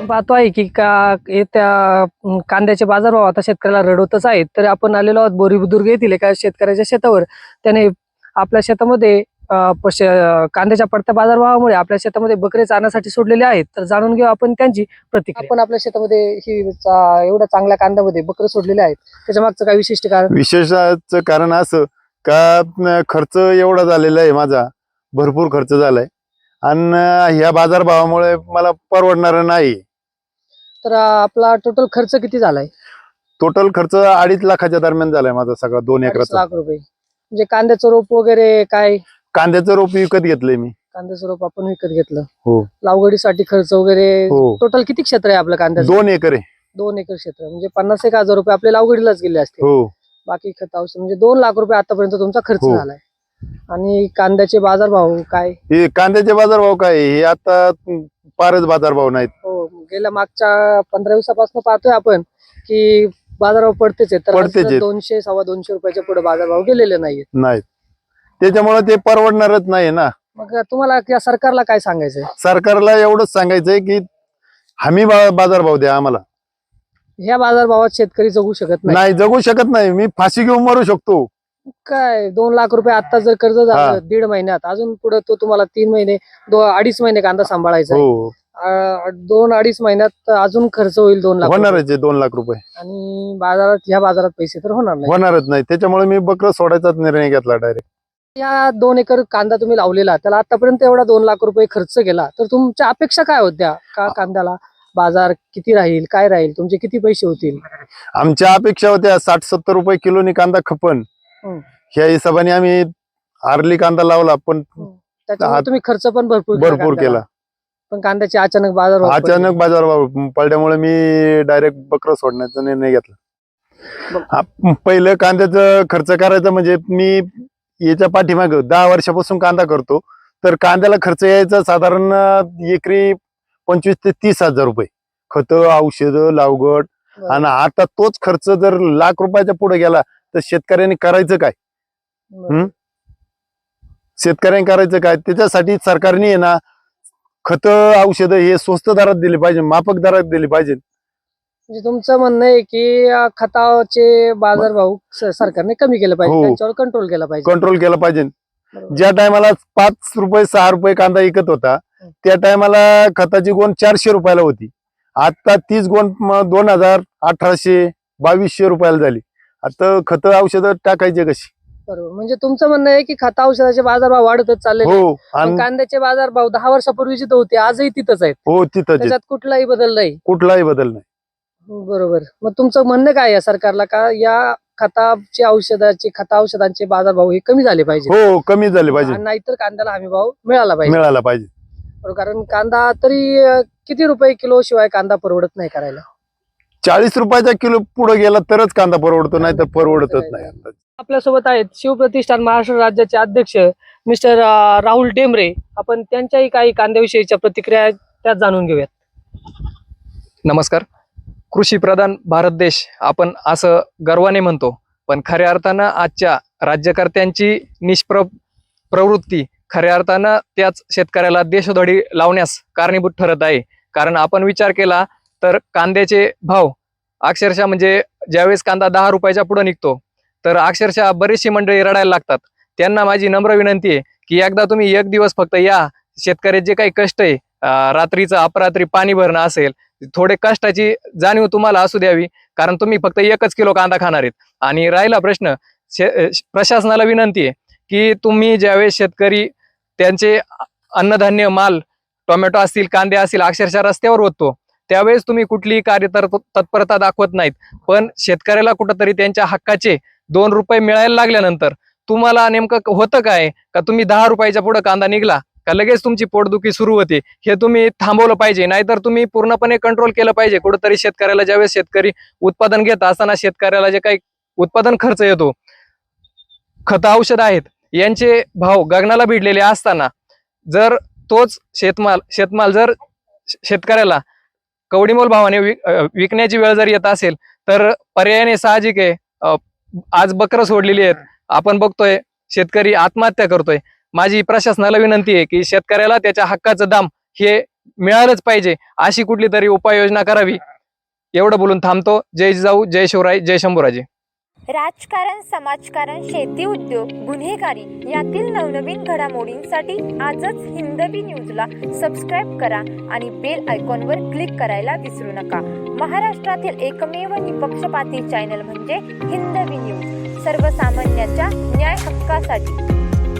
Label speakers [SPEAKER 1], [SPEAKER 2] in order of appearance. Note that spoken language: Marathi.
[SPEAKER 1] पाहतो आहे की त्या कांद्याचे बाजारभाव आता शेतकऱ्याला रडवतच आहेत. तर आपण आलेलो आहोत बोरी बुद्रुक येथील एका शेतकऱ्याच्या शेतावर. त्याने आपल्या शेतामध्ये कांद्याच्या पडत्या बाजारभावामुळे आपल्या शेतामध्ये बकरे चारण्यासाठी सोडलेले आहेत. तर जाणून घेऊ आपण त्यांची प्रतिक्रिया. आपण आपल्या शेतामध्ये एवढा चांगल्या कांद्यामध्ये बकरे सोडलेले आहेत, त्याच्या मागचं काय विशिष्ट कारण?
[SPEAKER 2] विशेषाचं कारण असं का खर्च एवढा झालेला आहे, माझा भरपूर खर्च झालाय आणि ह्या बाजारभावामुळे मला परवडणार नाही.
[SPEAKER 1] तर आपला टोटल खर्च किती झालाय?
[SPEAKER 2] टोटल खर्च 2.5 लाखाच्या दरम्यान झालाय माझा सगळा 2
[SPEAKER 1] 2.5
[SPEAKER 2] एकराचा.
[SPEAKER 1] लाख रुपये. म्हणजे कांद्याचं रोप वगैरे काय?
[SPEAKER 2] कांद्याचं रोप विकत घेतलंय मी.
[SPEAKER 1] कांद्याचं रोप आपण विकत घेतलं.
[SPEAKER 2] हो.
[SPEAKER 1] लागवडीसाठी खर्च वगैरे
[SPEAKER 2] हो.
[SPEAKER 1] टोटल किती क्षेत्र आहे आपलं कांद्याचं?
[SPEAKER 2] 2 एकर आहे.
[SPEAKER 1] 2 एकर क्षेत्र म्हणजे 50,000 रुपये आपल्या लागवडीलाच गेले असते.
[SPEAKER 2] हो.
[SPEAKER 1] बाकी खत औषध म्हणजे 2 लाख रुपये आतापर्यंत तुमचा खर्च
[SPEAKER 2] हो.
[SPEAKER 1] झालाय. आणि कांद्याचे बाजारभाव काय?
[SPEAKER 2] हे कांद्याचे बाजारभाव काय हे आता फारच बाजारभाव नाहीत.
[SPEAKER 1] हो, गेल्या मागच्या 15 दिवसापासून पाहतोय आपण की बाजारभाव पडतेच आहेत. तर
[SPEAKER 2] पडतेच आहेत.
[SPEAKER 1] 200 सव्वा 200 रुपयाच्या पुढे बाजारभाव गेलेले नाहीत.
[SPEAKER 2] त्याच्यामुळे ते परवडणारच नाही ना.
[SPEAKER 1] मग तुम्हाला या सरकारला काय सांगायचंय?
[SPEAKER 2] सरकारला एवढंच सांगायचंय की हमी बाजारभाव द्या आम्हाला.
[SPEAKER 1] ह्या बाजारभावात शेतकरी जगू शकत
[SPEAKER 2] नाही, जगू शकत नाही. मी फाशी घेऊन मरू शकतो.
[SPEAKER 1] काय 2 लाख रुपये आता जर कर्ज झालं 1.5 महिन्यात, अजून पुढे तो तुम्हाला 3 महिने 2-2.5 महिने कांदा सांभाळायचा आहे.
[SPEAKER 2] हो.
[SPEAKER 1] 2-2.5 महिन्यात अजून खर्च होईल 2 लाख रुपये.
[SPEAKER 2] होणारच आहे 2 लाख रुपये.
[SPEAKER 1] आणि ह्या बाजारात पैसे तर
[SPEAKER 2] होणारच नाही. त्याच्यामुळे मी बकरं सोडायचाच निर्णय घेतला डायरेक्ट.
[SPEAKER 1] या 2 एकर कांदा तुम्ही लावलेला, त्याला आतापर्यंत एवढा 2 लाख रुपये खर्च केला, तर तुमच्या अपेक्षा काय होत्या? का कांद्याला बाजार किती राहील, काय राहील, तुमचे किती पैसे होतील?
[SPEAKER 2] आमच्या अपेक्षा होत्या 60-70 रुपये किलोनी कांदा खपन. ह्या हिशोबाने आम्ही आरली कांदा लावला, पण
[SPEAKER 1] त्याच्यामुळे तुम्ही खर्च पण भरपूर
[SPEAKER 2] केला.
[SPEAKER 1] पण कांद्याचे अचानक बाजारभाव
[SPEAKER 2] पडल्यामुळे मी डायरेक्ट बकरं सोडण्याचा निर्णय घेतला. पहिलं कांद्याचं खर्च करायचं म्हणजे मी याच्या पाठीमाग 10 वर्षापासून कांदा करतो, तर कांद्याला खर्च यायचा साधारण एकरी 25 ते 30 हजार रुपये. खत, औषध, लावगड. आणि आता तोच खर्च जर लाख रुपयाच्या पुढे गेला तर शेतकऱ्यांनी करायचं काय? शेतकऱ्यांनी करायचं काय? त्याच्यासाठी सरकारने आहे ना खत, औषध हे स्वस्त दरात दिले पाहिजे, माफक दरात दिले पाहिजे.
[SPEAKER 1] म्हणजे तुमचं म्हणणं आहे की खताचे बाजारभाव सरकारने कमी केलं पाहिजे, त्यांच्यावर कंट्रोल केला पाहिजे.
[SPEAKER 2] ज्या टायमाला 5 रुपये 6 रुपये कांदा विकत होता, त्या टायमाला खताची गोण 400 रुपयाला होती. आता 30 गोण 2000, 1800, 2200 रुपयाला झाली. आता खत औषध टाकायचे कशी?
[SPEAKER 1] बरोबर. म्हणजे तुमचं म्हणणं आहे की खत औषधाचे बाजारभाव वाढतच चालले.
[SPEAKER 2] हो.
[SPEAKER 1] कांद्याचे बाजारभाव 10 वर्षापूर्वी जिथं होते आजही तिथंच आहेत.
[SPEAKER 2] हो, तिथं
[SPEAKER 1] त्याच्यात कुठलाही बदल नाही. बरोबर. मग तुमचं म्हणणं काय आहे सरकारला? का या खत औषधांचे बाजारभाव हे कमी झाले पाहिजे?
[SPEAKER 2] हो, कमी झाले पाहिजे.
[SPEAKER 1] नाहीतर कांद्याला हमी भाव मिळाला पाहिजे. बरोबर. कारण कांदा तरी किती रुपये किलो शिवाय कांदा परवडत नाही करायला?
[SPEAKER 2] 40 रुपयाचा किलो पुढे गेला तरच कांदा परवडतो, नाही तर परवडतच नाही.
[SPEAKER 1] आपल्यासोबत आहेत शिवप्रतिष्ठान महाराष्ट्र राज्याचे अध्यक्ष मिस्टर राहुल टेंबरे. आपण त्यांच्याही काही कांद्याविषयीच्या प्रतिक्रिया त्यात जाणून घेऊयात.
[SPEAKER 3] नमस्कार. कृषी प्रधान भारत देश आपण असं गर्वाने म्हणतो, पण खऱ्या अर्थानं आजच्या राज्यकर्त्यांची प्रवृत्ती खऱ्या अर्थानं त्याच शेतकऱ्याला देशोधडी लावण्यास कारणीभूत ठरत आहे. कारण आपण विचार केला तर कांद्याचे भाव अक्षरशः म्हणजे ज्यावेळेस कांदा 10 रुपयाच्या पुढे निघतो तर अक्षरशः बरीचशी मंडळी रडायला लागतात. त्यांना माझी नम्र विनंती आहे की एकदा तुम्ही एक दिवस फक्त या शेतकऱ्याचे जे काही कष्ट आहे, रात्रीचं अपरात्री पाणी भरणं असेल, थोडे कष्टाची जाणीव तुम्हाला असू द्यावी. कारण तुम्ही फक्त 1 किलो कांदा खाणार आहेत. आणि राहिला प्रश्न, प्रशासनाला विनंती आहे की तुम्ही ज्यावेळेस शेतकरी त्यांचे अन्नधान्य माल टोमॅटो असतील, कांदे असतील अक्षरशः रस्त्यावर होतो, त्यावेळेस तुम्ही कुठलीही तत्परता दाखवत नाहीत. पण शेतकऱ्याला कुठंतरी त्यांच्या हक्काचे 2 रुपये मिळायला लागल्यानंतर तुम्हाला नेमकं होतं काय? का तुम्ही 10 रुपयाच्या पुढे कांदा निघला का लगेच तुमची पोटदुखी सुरू होते? हे तुम्ही थांबवलं पाहिजे. नाहीतर तुम्ही पूर्णपणे कंट्रोल केलं पाहिजे. कुठंतरी शेतकऱ्याला ज्यावेळेस शेतकरी उत्पादन घेत असताना शेतकऱ्याला जे काही उत्पादन खर्च येतो, खत औषध आहेत यांचे भाव गगनाला भिडलेले असताना जर तोच शेतमाल जर शेतकऱ्याला कवडीमोल भावाने विकण्याची वेळ जर येत असेल तर पर्यायाने साहजिक आहे आज बकरं सोडलेली आहेत. आपण बघतोय शेतकरी आत्महत्या करतोय. माझी प्रशासनाला विनंती आहे की शेतकऱ्याला त्याच्या हक्काचं दाम हे मिळालंच पाहिजे अशी कुठली तरी उपाययोजना करावी. एवढं बोलून थांबतो. जय जिजाऊ, जय शिवराय, जय शंभूराजे.
[SPEAKER 4] राजकारण, समाजकारण, शेती, उद्योग, गुन्हेगारी यातील नवनवीन घडामोडींसाठी आजच हिंदवी न्यूजला सबस्क्राईब करा आणि बेल आयकॉनवर क्लिक करायला विसरू नका. महाराष्ट्रातील एकमेव निपक्षपाती चॅनल म्हणजे हिंदवी न्यूज, सर्वसामान्यांच्या न्याय हक्कासाठी.